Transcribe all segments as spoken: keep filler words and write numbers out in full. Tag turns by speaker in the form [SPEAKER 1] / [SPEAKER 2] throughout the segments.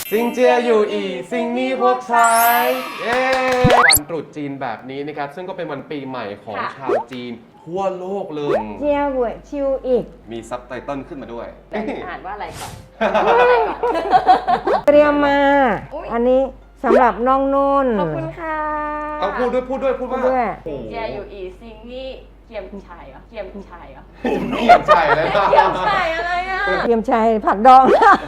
[SPEAKER 1] ซิงเจียอยู่อีซิงนี่พวกชายเย้วันตรุษจีนแบบนี้นะครับซึ่งก็เป็นวันปีใหม่ของชาวจีนทั่วโลกเลย
[SPEAKER 2] เจียหวยชิวอีก
[SPEAKER 1] มีซับไตเติลขึ้นมาด้วย
[SPEAKER 3] แต่อ่านว่าอะไรก่อน
[SPEAKER 2] เตรียมมาอันนี้สำหรับน้องนุ่น
[SPEAKER 3] ขอบคุณค่ะ
[SPEAKER 1] ต้องพูดด้วยพูดด้วยพูดว่า
[SPEAKER 2] ด้วย
[SPEAKER 3] ซิงเจียอยู่อีซิงนี่เกียมชายเหรอเกียมชายเหรอ
[SPEAKER 1] เขียนใช่เลย
[SPEAKER 3] เกียมชายอะไรอ่ะ
[SPEAKER 2] เตรียมชัยผักดอง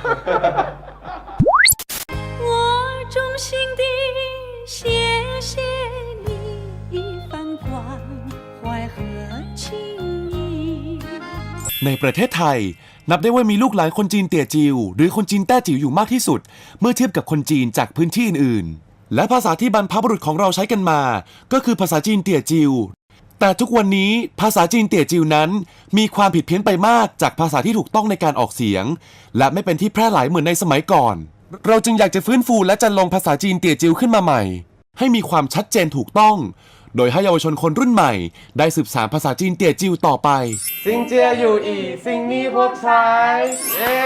[SPEAKER 4] 我衷心地谢谢你一番关怀和情谊。
[SPEAKER 5] ในประเทศไทยนับได้ว่ามีลูกหลานคนจีนเตี่ยจิวหรือคนจีนแต้จิ๋วอยู่มากที่สุดเมื่อเทียบกับคนจีนจากพื้นที่อื่นๆและภาษาที่บรรพบุรุษของเราใช้กันมาก็คือภาษาจีนเตี่ยจิวแต่ทุกวันนี้ภาษาจีนเตี่ยจิวนั้นมีความผิดเพี้ยนไปมากจากภาษาที่ถูกต้องในการออกเสียงและไม่เป็นที่แพร่หลายเหมือนในสมัยก่อนเราจึงอยากจะฟื้นฟูและจันลงภาษาจีนเตี่ยจิวขึ้นมาใหม่ให้มีความชัดเจนถูกต้องโดยให้เยาวชนคนรุ่นใหม่ได้สืบสานภาษาจีนเตี่ยจิวต่อไป
[SPEAKER 1] ซิงเจียอยู่อีซิงนี่พวกชายเย้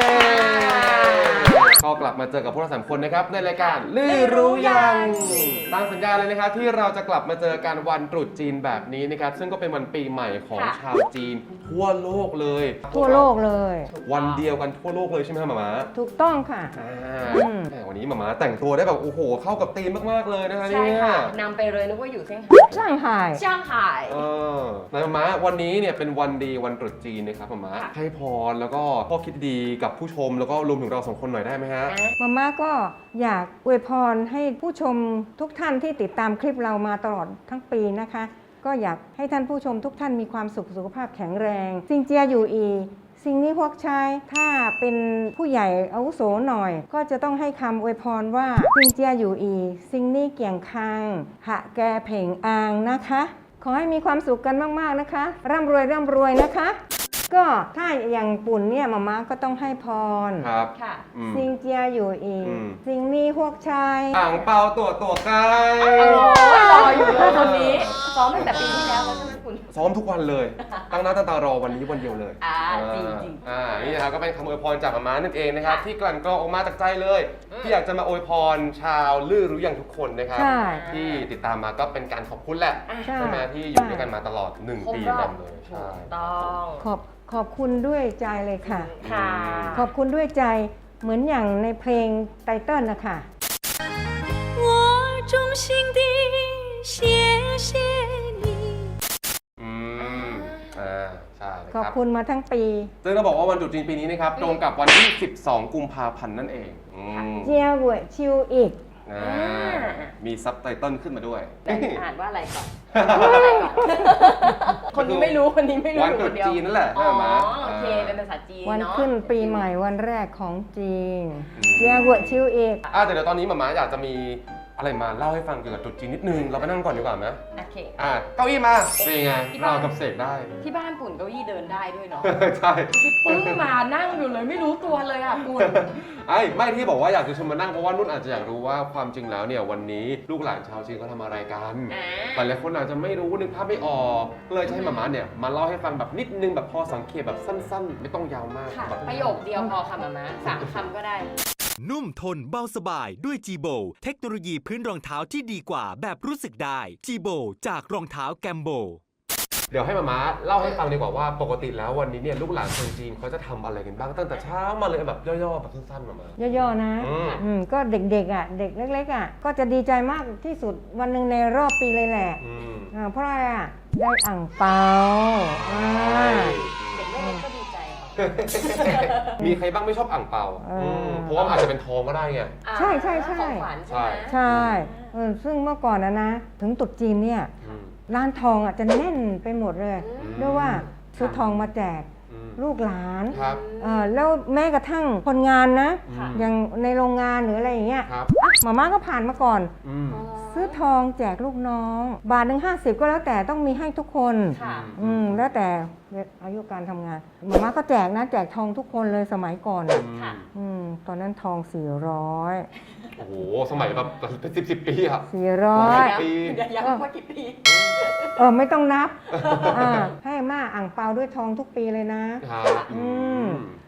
[SPEAKER 1] ก็กลับมาเจอกับพวกเราสามคนนะครับในรายการลือรู้ยังตามสัญญาเลยนะครับที่เราจะกลับมาเจอกันวันตรุษจีนแบบนี้นะครับซึ่งก็เป็นวันปีใหม่ของชาวจีนทั่วโลกเลย
[SPEAKER 2] ทั่วโลกเลย
[SPEAKER 1] วันเดียวกันทั่วโลกเลยใช่ไหมครับหม่าม้า
[SPEAKER 2] ถูกต้องค่ะ
[SPEAKER 1] แต่วันนี้หม่าม้าแต่งตัวได้แบบโอ้โหเข้ากับธีมมากๆเลยนะคะเนี่ย
[SPEAKER 3] ใช่ค่ะนำไปเลยนึกว่าอยู่เซี่ยงไฮ้
[SPEAKER 2] ช่างหาย
[SPEAKER 3] ช่างไห่
[SPEAKER 1] เออหม่าม้าวันนี้เนี่ยเป็นวันดีวันตรุษจีนนะครับหม่าม้าให้พรแล้วก็ข้อคิดดีกับผู้ชมแล้วก็รวมถึงเราสองคนหน่อยได้ไหมฮะ
[SPEAKER 2] มาม่าก็อยากอวยพรให้ผู้ชมทุกท่านที่ติดตามคลิปเรามาตลอดทั้งปีนะคะก็อยากให้ท่านผู้ชมทุกท่านมีความสุขสุขภาพแข็งแรงซิงเจียอยู่อีสิ่งนี้พวกชายถ้าเป็นผู้ใหญ่อาวุโสหน่อยก็จะต้องให้คำอวยพรว่าซิงเจียอยู่อีสิ่งนี้เกี่ยงคังหะแกเพ่งอางนะคะขอให้มีความสุขกันมากๆนะคะร่ำรวยร่ำรวยนะคะก็ถ้าอย่างปุ่นเนี่ยมาม่าก็ต้องให้พร
[SPEAKER 1] ครับ
[SPEAKER 3] ค่ะ
[SPEAKER 2] ซิงเจียอยู่อีสิ่งนี้พวกชาย
[SPEAKER 1] อ่างเปาตัวตัวไกล
[SPEAKER 3] รออยู่เลยคนนี้ซ้อมตั้งแต่ปีที่แล้วแล้วใช่ไหมคุณ
[SPEAKER 1] ซ้อมทุกวันเลยตั้งหน้าตั้งตารอวันนี้วันเดียวเลย
[SPEAKER 3] อ่าจริงจริง
[SPEAKER 1] อ่านี่นะครับก็เป็นคำอวยพรจากหม่าม้านั่นเองนะครับที่กลั่นกรองออกมาจากใจเลยที่อยากจะมาอวยพรชาวลือรู้อย่างทุกคนนะครับที่ติดตามมาก็เป็นการขอบคุณแหละใช่ไหมที่อยู่ด้วยกันมาตลอดหนึ่งปีเต็มเลย
[SPEAKER 3] ใช่ต้อง
[SPEAKER 2] ขอบขอบคุณด้วยใจเลยค่ะ
[SPEAKER 3] ค่ะ
[SPEAKER 2] ขอบคุณด้วยใจเหมือนอย่างในเพลงไตเติ้ลนะคะ
[SPEAKER 4] 我衷心地谢谢你
[SPEAKER 1] อืมอ่าใช่
[SPEAKER 2] ขอบคุณมาทั้งปี
[SPEAKER 1] ซึ่งเราบอกว่าวันตรุษจีนปีนี้นะครับตรงกับวันที่สิบสองกุมภาพันธ์นั่นเอง
[SPEAKER 2] เจียหวยชิวอีก
[SPEAKER 1] มีซับไตเติลขึ้นมาด้วย
[SPEAKER 3] แต่อ่านว่าอะไรก่อนคนนี้ไม่รู้คนนี้ไม่รู้
[SPEAKER 1] วันตรุษจีนนั่นแหละ
[SPEAKER 3] อ๋อโอเคเป็นภาษาจีน
[SPEAKER 2] วันขึ้นปีใหม่วันแรกของจีนเจียหวยชิวอีก
[SPEAKER 1] อ่าแต่เดี๋ยวตอนนี้หม่าม้าอยากจะมีอะไรมาเล่าให้ฟังเกี่ยวกับตรุษจีนนิดนึงเราไปนั่งก่อนดีกว่าไหม
[SPEAKER 3] โอเค
[SPEAKER 1] อ่าเก้าอี้มาเป็นไงเรากับเสกได้
[SPEAKER 3] ที่บ้านปุ่นเก้าอี้เดินได้ด้วยเนาะ
[SPEAKER 1] ใช่
[SPEAKER 3] ที่ปึ้งมานั่งอยู่เลยไม่รู้ตัวเลยอ่ะปุ่น
[SPEAKER 1] ไอ้ไม่ที่บอกว่าอยากจะชวนมานั่งเพราะว่านุ่นอาจจะอยากรู้ว่าความจริงแล้วเนี่ยวันนี้ลูกหลานชาวจีนเขาทำอะไรกันแต่หลายคนอาจจะไม่รู้นึกภาพไม่ออกก็เลยจะให้หม่าม้าเนี่ยมาเล่าให้ฟังแบบนิดนึงแบบพอสังเกตแบบสั้นๆไม่ต้องยาวมาก
[SPEAKER 3] ประโยคเดียวพอค่ะหม่าม้าสามคำก็ได้
[SPEAKER 5] นุ่มทนเบาสบายด้วย จี โบ เทคโนโลยีพื้นรองเท้าที่ดีกว่าแบบรู้สึกได้ จี โบ จากรองเท้าแกมโบ
[SPEAKER 1] เดี๋ยวให้มาม้าเล่าให้ฟังดีกว่าว่าปกติแล้ววันนี้เนี่ยลูกหลานคนจีนเขาจะทำอะไรกันบ้างตั้งแต่เช้ามาเลยแบบย่อๆแบบสั้นๆมามา
[SPEAKER 2] ย่อๆนะอืมก็เด็กๆอ่ะเด็กเล็กๆอ่ะก็จะดีใจมากที่สุดวันหนึ่งในรอบปีเลยแหละอ่าเพราะอะไรอ่ะได้อ่างเปาอ่า
[SPEAKER 3] เด็กเล็กก็ดีใจ
[SPEAKER 1] มีใครบ้างไม่ชอบอ่างเปาเพราะว่าอาจจะเป็นทองก็ได้ไง
[SPEAKER 2] ใช่ใช่ใช่
[SPEAKER 1] ใช่
[SPEAKER 2] ใช่ซึ่งเมื่อก่อนนะนะถึงตรุษจีนเนี่ยร้านทองอ่ะจะแน่นไปหมดเลยด้วยว่าซื้อทองมาแจกลูกหลานแล้วแม้กระทั่งคนงานนะอย่างในโรงงานหรืออะไรอย่างเงี้ยหม่าม่าก็ผ่านมาก่อนซื้อทองแจกลูกน้องบาทหนึ่งห้าสิบก็แล้วแต่ต้องมีให้ทุกคนอืมแล้วแต่อายุการทำงานหม่าม่าก็แจกนะแจกทองทุกคนเลยสมัยก่อนอืมตอนนั้นทองสี่ร้อย
[SPEAKER 1] โอ้โหสมัยแบบเป็นสิบสิบปีอะ
[SPEAKER 2] สี่ร้อย
[SPEAKER 3] ปีย้ำว่ากี่ปี
[SPEAKER 2] เออไม่ต้องนับให้ม่าอ่างเปาด้วยทองทุกปีเลยนะครับอืม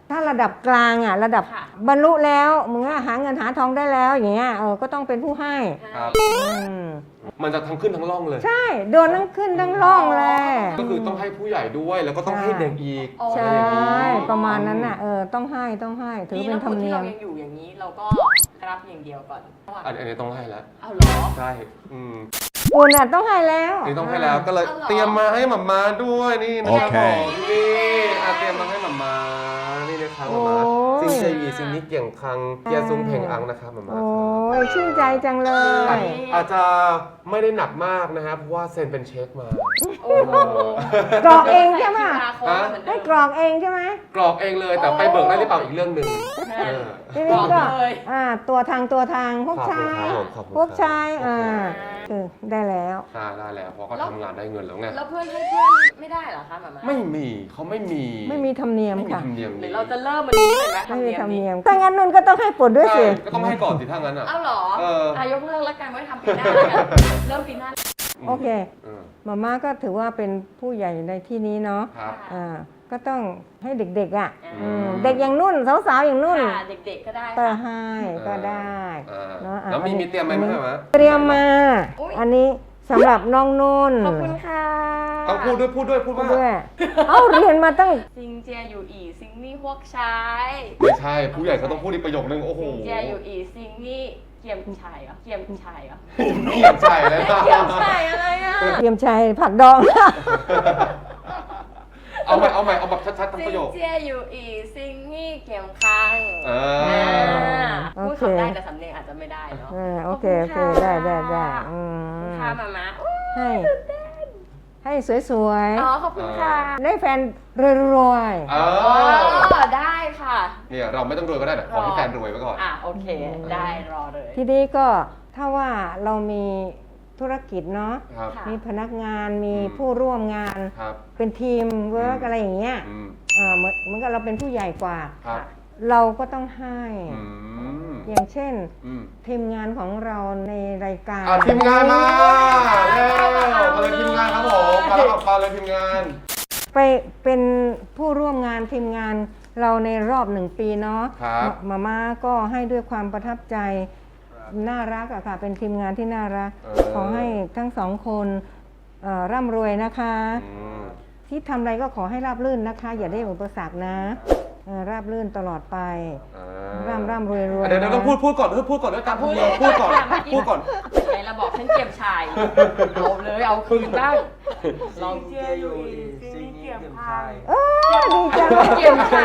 [SPEAKER 2] ถ้าระดับกลางอ่ะระดับ
[SPEAKER 3] ค่ะ
[SPEAKER 2] บรรลุแล้วมึงอะหาเงินหาทองได้แล้วอย่างเงี้ยเออก็ต้องเป็นผู้ให้
[SPEAKER 1] ครับ
[SPEAKER 2] อืม
[SPEAKER 1] มันจะทั้งขึ้นทั้งล่องเลย
[SPEAKER 2] ใช่โดนทั้งขึ้นทั้งล่องเลย
[SPEAKER 1] ก็คือต้องให้ผู้ใหญ่ด้วยแล้วก็ต้องให้เด็กอีก
[SPEAKER 2] ใช่
[SPEAKER 1] อะไรอย่างนี้
[SPEAKER 2] ประมาณนั้นน่ะเออต้องให้ต้องให้ถือ
[SPEAKER 3] ดี
[SPEAKER 2] เป็
[SPEAKER 3] นะ
[SPEAKER 2] นธรรม
[SPEAKER 3] ที่
[SPEAKER 2] เนีย
[SPEAKER 3] เรา
[SPEAKER 2] ม
[SPEAKER 3] ยังอยู่อย่างนี้เราก็รับอย่างเดียวก่อน
[SPEAKER 1] อันอันนี้ต้องให้แล้ว
[SPEAKER 3] เอาเหรอ
[SPEAKER 1] ใช่อืม
[SPEAKER 2] คุณอ่ะต้องให้แล้ว
[SPEAKER 1] นี่ต้องให้แล้วก็เลย
[SPEAKER 3] เอาเหรอ
[SPEAKER 1] เตรียมมาให้หม่ามาด้วยนี่นะครับ
[SPEAKER 5] โอเค
[SPEAKER 1] ผมนี่อ่ะเตรียมมาให้หม่ามานี่นะครับหม่ามา
[SPEAKER 2] โอ้ย
[SPEAKER 1] ซิงเจยีซิงนี้เกี่ยงคังเกียร์ซุงเพ่งอังนะครับหม่ามา
[SPEAKER 2] โอ้ยชื่นใจจังเล
[SPEAKER 1] อาจ
[SPEAKER 2] ย
[SPEAKER 1] อาจจะไม่ได้หนักมากนะครับเพราะว่าเซ็นเป็นเช็คมา
[SPEAKER 3] โอ้โห
[SPEAKER 2] กรอกเองใช่ไหม
[SPEAKER 3] ใส่ คิวอาร์ code เหมือนเดิ
[SPEAKER 2] ให้
[SPEAKER 3] ม
[SPEAKER 2] กรอกเองใช่ไหม
[SPEAKER 1] กรอกเองเลยแต่ไปเบิกได้หรือเปล่าอีกเรื่องหนึ่งเออ
[SPEAKER 2] ทีนี้ก็
[SPEAKER 3] บอกเลย
[SPEAKER 2] อ่าตัวทางตัวทางพวก
[SPEAKER 1] ขอบคุณ
[SPEAKER 2] ชาย
[SPEAKER 1] ครับผมขอบคุณ
[SPEAKER 2] พวก
[SPEAKER 1] ครับ
[SPEAKER 2] ชายอ่าคือได้แล้ว
[SPEAKER 1] ได้ได้แล้วเพราะก็ทำงานได้เงินแล้วไง
[SPEAKER 3] แล้วเพื่อนให้เพื่อนไม่ได้เหรอคะหมามา
[SPEAKER 1] ไม่มีเขาไม่มี
[SPEAKER 2] ไม่มีธรรมเนียม
[SPEAKER 1] ไม่มี
[SPEAKER 2] ค่ะ
[SPEAKER 1] ธรรมเนียม
[SPEAKER 3] หรือ
[SPEAKER 1] นี้
[SPEAKER 3] เราจะเริ่มวันนี้เลยไหม
[SPEAKER 2] ไม่มีธรรม
[SPEAKER 3] นี้
[SPEAKER 2] เนียมถ้างั้นนุ่นก็ต้องให้ปลดด้วย
[SPEAKER 1] ใช่
[SPEAKER 2] สิ
[SPEAKER 1] ก็ต้องให้ก่อนสิถ้างั้นอ่ะ
[SPEAKER 3] เอ้าเหรอ
[SPEAKER 1] เอออ่
[SPEAKER 3] ะยกเลิกแล้วกันไว้ทำปีหน้าแล้วกันเริ่มปีหน้า
[SPEAKER 2] โอเค
[SPEAKER 1] เออ
[SPEAKER 2] มาม่าก็ถือว่าเป็นผู้ใหญ่ในที่นี้เนาะ
[SPEAKER 1] ครับ
[SPEAKER 2] อ่าก็ต้องให้เด็กๆอ่ะ
[SPEAKER 3] อืม
[SPEAKER 2] อืมเด็กอย่างนุ่นสาวๆอย่างนุ่น
[SPEAKER 3] ค่ะเด็กๆก็ได้
[SPEAKER 2] ก็
[SPEAKER 3] ค่ะ
[SPEAKER 2] ให้ก็ได้
[SPEAKER 1] อ่า
[SPEAKER 2] เนาะอ่ะ
[SPEAKER 1] แล้วมี
[SPEAKER 2] อันนี้
[SPEAKER 1] มีเตรียมไหม
[SPEAKER 2] อันนี้
[SPEAKER 1] แม่มะ
[SPEAKER 2] เตรียมมา
[SPEAKER 3] อุ๊ย
[SPEAKER 2] อันนี้สำหรับน้องนุ่น
[SPEAKER 3] ขอบคุณค่ะ
[SPEAKER 1] ต้องพูดด้วยพูดด้วยพูดว่า
[SPEAKER 2] ด้วยเอ้าเรียนมาตั้ง
[SPEAKER 3] ซิงเจียอยู่อีซิงนี่พวกชาย
[SPEAKER 1] ไม่ใช่ผู้ใหญ่เขาต้องพูดอีกประโยคนึงโอ้โห
[SPEAKER 3] ซิงเจียอยู่อีซิงนี่เกียมชายเหรอเกียมชายเหรอ
[SPEAKER 1] ผมเกียบใส่เลยนะ
[SPEAKER 3] เกียมชายอะไรอ่ะ
[SPEAKER 2] เตรียมชัยผักดอง
[SPEAKER 1] เอาใหม่เอาใหม่เอาแบบชัดๆทั้ง
[SPEAKER 3] ซิ
[SPEAKER 1] ประ
[SPEAKER 3] ง
[SPEAKER 1] โยค
[SPEAKER 3] เจียอยู่อีซิงนี่เกียมคัง
[SPEAKER 1] เอ
[SPEAKER 3] อ่า
[SPEAKER 1] อ
[SPEAKER 3] พูด
[SPEAKER 2] โอเค
[SPEAKER 3] คำได้แต่สำเนียงอาจจะไม่ได้เนาะ
[SPEAKER 2] เออโอเค
[SPEAKER 3] ข
[SPEAKER 2] โอบ เค
[SPEAKER 3] ณะ
[SPEAKER 2] ได้ได้ได้อื
[SPEAKER 3] ขอบคุณ
[SPEAKER 2] ม
[SPEAKER 3] ค่ะมาม่าอุ๊ย
[SPEAKER 2] ให้ ให้สวย
[SPEAKER 3] อ๋อขอบคุณค่ะ
[SPEAKER 2] ๆ ได้แฟนรวย
[SPEAKER 1] เอ
[SPEAKER 3] อ๋
[SPEAKER 1] อ
[SPEAKER 3] อได้ค่ะ
[SPEAKER 1] เนี่ยเราไม่ต้องรวยก็ได้แต่ขอให้แฟนรวยไว้ก่อน
[SPEAKER 3] อ่ะโอเค ได้รอเลย
[SPEAKER 2] ๆ ทีนี้ก็ถ้าว่าเรามีธุรกิจเนาะ
[SPEAKER 1] ครับ
[SPEAKER 3] ค่ะ
[SPEAKER 2] มีพนักงานมี
[SPEAKER 1] อืม
[SPEAKER 2] ผู้ร่วมงาน
[SPEAKER 1] ครับ
[SPEAKER 2] เป็นทีมเวิร์ก
[SPEAKER 1] อืม
[SPEAKER 2] อะไรอย่างเงี้ย
[SPEAKER 1] อืม
[SPEAKER 2] อ่าเหมือนเหมือนกับเราเป็นผู้ใหญ่กว่า
[SPEAKER 1] ครับ
[SPEAKER 2] เราก็ต้องให้
[SPEAKER 1] อืม
[SPEAKER 2] อย่างเช่น
[SPEAKER 1] อืม
[SPEAKER 2] ทีมงานของเราในรายการ
[SPEAKER 1] อ่ะทีมงานมาแล้วมาเลยทีมงานครับผมมาแล้วมาเลยทีมงาน
[SPEAKER 2] ไปเป็นผู้ร่วมงานทีมงานเราในรอบหนึ่งปีเนาะ
[SPEAKER 1] ครับ
[SPEAKER 2] มาม่าก็ให้ด้วยความประทับใจน่ารักอะค่ะ เป็นทีมงานที่น่ารัก
[SPEAKER 1] เออ
[SPEAKER 2] ขอให้ทั้งสองคนเอ่อร่ำรวยนะคะ
[SPEAKER 1] อืม
[SPEAKER 2] ที่ทำอะไรก็ขอให้ราบรื่นนะคะ อย่าได้อุปสรรคนะเอ่อราบรื่นตลอดไป
[SPEAKER 1] อ่า
[SPEAKER 2] ร่ำร่ำรวยรวย
[SPEAKER 1] เดี๋ยวเดี๋ยวต้องพูดพูดก่อนพูดก่อนด้วยการพูดก่อนพูดก่อนพูดก่อน
[SPEAKER 3] ไงเราบอกฉันเกียมชายเอาเลยเอาคืนบ้างลองเจียอยู่อีซิงนี่เกียมชาย
[SPEAKER 2] เออดีจังเลย
[SPEAKER 3] เกียมชาย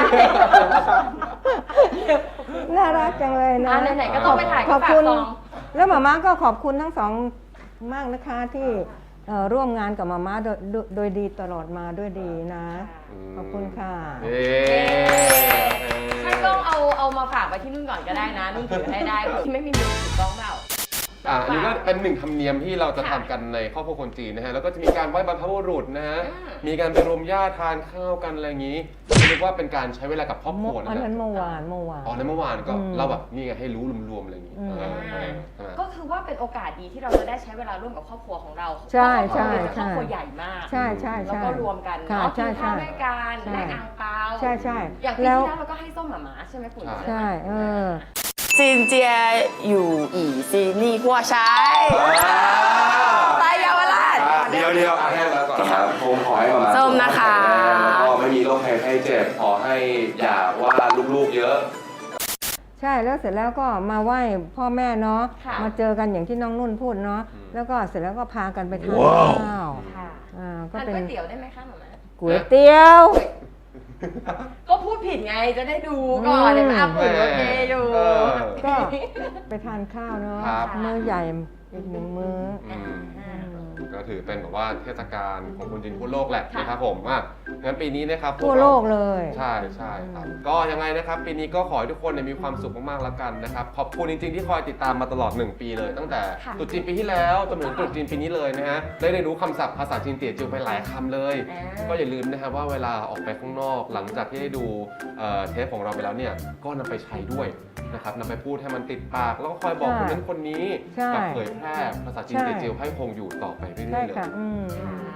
[SPEAKER 2] น่ารักจังเลยนะ
[SPEAKER 3] อ่ะไหนๆก็ต้องไปถ่าย
[SPEAKER 2] ข
[SPEAKER 3] ก็
[SPEAKER 2] อบ
[SPEAKER 3] ฝาก
[SPEAKER 2] คุณ
[SPEAKER 3] ซอง
[SPEAKER 2] แล้วหมาม่าก็ขอบคุณทั้งสองมากนะคะที่เอ่อร่วมงานกับหมาม่าโดยโดยโดยดีตลอดมาด้วยดีนะ ขอบคุณค่ะ
[SPEAKER 1] เย้
[SPEAKER 3] ถ้ากล้องเอาเอามาฝากไว้ที่นุ่นก่อนก็ได้นะนุ่นถือให้ได้ที่ไม่มีมือถือกล้องเปล่า
[SPEAKER 1] อ่ะอันนี้ก็เป็นหนึ่งธรรมเนียมที่เราจะทำกันในครอบครัวคนจีนนะฮะ แล้วก็จะมีการไหว้บรรพบุรุษนะฮะ
[SPEAKER 3] อืม
[SPEAKER 1] มีการไปรวมญาติทานข้าวกันอะไรอย่างนี้เรียกว่าเป็นการใช้เวลากับครอบครัว
[SPEAKER 2] อั
[SPEAKER 1] นะ
[SPEAKER 2] นนั้น
[SPEAKER 1] ฮะ
[SPEAKER 2] เมื่อวานเมื่อวาน
[SPEAKER 1] อ๋อในเมื่อวานก็
[SPEAKER 2] อืม
[SPEAKER 1] เราแบบนี่ไงให้รู้รวมๆอะไรอย่างนี้
[SPEAKER 2] อืม
[SPEAKER 1] เออเออใช่ไหม
[SPEAKER 3] ก็คือว่าเป็นโอกาสดีที่เราจะได้ใช้เวลาร่วมกับครอบครัวของเรา
[SPEAKER 2] ใช่
[SPEAKER 3] เพราะว่า
[SPEAKER 2] ใช่
[SPEAKER 3] เราเป็นครอบครัวใหญ่มาก
[SPEAKER 2] ใช่ใช่
[SPEAKER 3] แล้ว
[SPEAKER 2] ใช่
[SPEAKER 3] ก็รวมกัน
[SPEAKER 2] ค่ะ
[SPEAKER 3] เนาะ
[SPEAKER 2] ใช่
[SPEAKER 3] กินข้าว
[SPEAKER 2] ใช่
[SPEAKER 3] ด้วยกัน
[SPEAKER 2] ใช่
[SPEAKER 3] แลกอ่างเปา
[SPEAKER 2] ใช่ใช่
[SPEAKER 3] อย่างปี
[SPEAKER 2] แล้ว
[SPEAKER 3] ที่แล้วเราก็ให้ส้มหมาหมาใช่ไหมคุณ
[SPEAKER 2] ใช่เออ
[SPEAKER 3] ซินเจียอยู่อีซีนี่กัวใช้ไปเยาวราช
[SPEAKER 1] เดียวเดียวอ่ะให้แล้วก่อนครับผมขอให้มา
[SPEAKER 3] ส้มนะคะ
[SPEAKER 1] แล้วก็ไม่มีโรคภัยไข้เจ็บขอให้อย่าว่าลูกๆเยอะ
[SPEAKER 2] ใช่แล้วเสร็จแล้วก็มาไหว้พ่อแม่เนาะ
[SPEAKER 3] ค่ะ
[SPEAKER 2] มาเจอกันอย่างที่น้องนุ่นพูดเนาะ
[SPEAKER 1] อืม
[SPEAKER 2] แล้วก็เสร็จแล้วก็พากันไปทานข้าว
[SPEAKER 3] ค่ะ
[SPEAKER 2] อ่าก็
[SPEAKER 3] ทาน
[SPEAKER 2] เป็น
[SPEAKER 3] ก๋วยเตี๋ยวได้ไหมคะหมาหมา
[SPEAKER 2] ก๋วยเตี๋ยว
[SPEAKER 3] ก็พูดผิดไงจะได้ดูก่อนเดี๋ยวมาอัพผลโอเคอยู่
[SPEAKER 1] เออ
[SPEAKER 2] ก็ไปทานข้าวเนาะ
[SPEAKER 1] ครับ
[SPEAKER 2] มื้อใหญ่อีกหนึ่งมื้อ
[SPEAKER 1] อืม
[SPEAKER 2] อืม
[SPEAKER 1] ก็ถือเป็นแบบว่าเทศกาลของคนจีนทั่วโลกแหละนะครับผมอ่ะงั้นปีนี้นะครับ
[SPEAKER 2] ทั่วโลกเลย
[SPEAKER 1] ใช่ใช่ครับก็ยังไงนะครับปีนี้ก็ขอให้ทุกคนเนี่ยมีความสุขมากๆแล้วกันนะครับขอบคุณจริงๆที่คอยติดตามมาตลอดหนึ่งปีเลย ตั้งแต่
[SPEAKER 3] ค่ะ
[SPEAKER 1] ตรุษจีนปีที่แล้วจนถึงตรุษจีนปีนี้เลยนะฮะได้เรียนรู้คำศัพท์ภาษาจีนเตี่ยจิวไปหลายคำเลย
[SPEAKER 3] อ่า
[SPEAKER 1] ก็อย่าลืมนะครับว่าเวลาออกไปข้างนอกหลังจากที่ได้ดูเอ่อเทปของเราไปแล้วเนี่ยก็นำไปใช้ด้วยนะครับนำไปพูดให้มันติดปาก แล้วก็คอยบอกคนนั้นคนนี้
[SPEAKER 2] ใช่
[SPEAKER 1] กับเผยแพร่ภาษาจีนเตี่ยจิวให้คงอยู่ต่อไปเรื่
[SPEAKER 2] ใช่
[SPEAKER 1] อยๆเลย
[SPEAKER 2] ค่ะอืมอืมอืม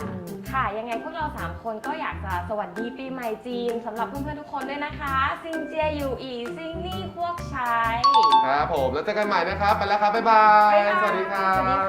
[SPEAKER 3] ค่ะยังไงพวกเราสามคนก็อยากจะสวัสดีปีใหม่จีนสำหรับเพื่อนๆทุกคนด้วยนะคะซิงเจียอยู่อีซิงนี่พวกชาย
[SPEAKER 1] ครับผมแล้วเจอกันใหม่นะครับ ไปแล้วครับ บ๊ายบาย
[SPEAKER 3] บ๊ายบาย
[SPEAKER 1] สวัสดีครั
[SPEAKER 3] สวัสดี
[SPEAKER 1] บ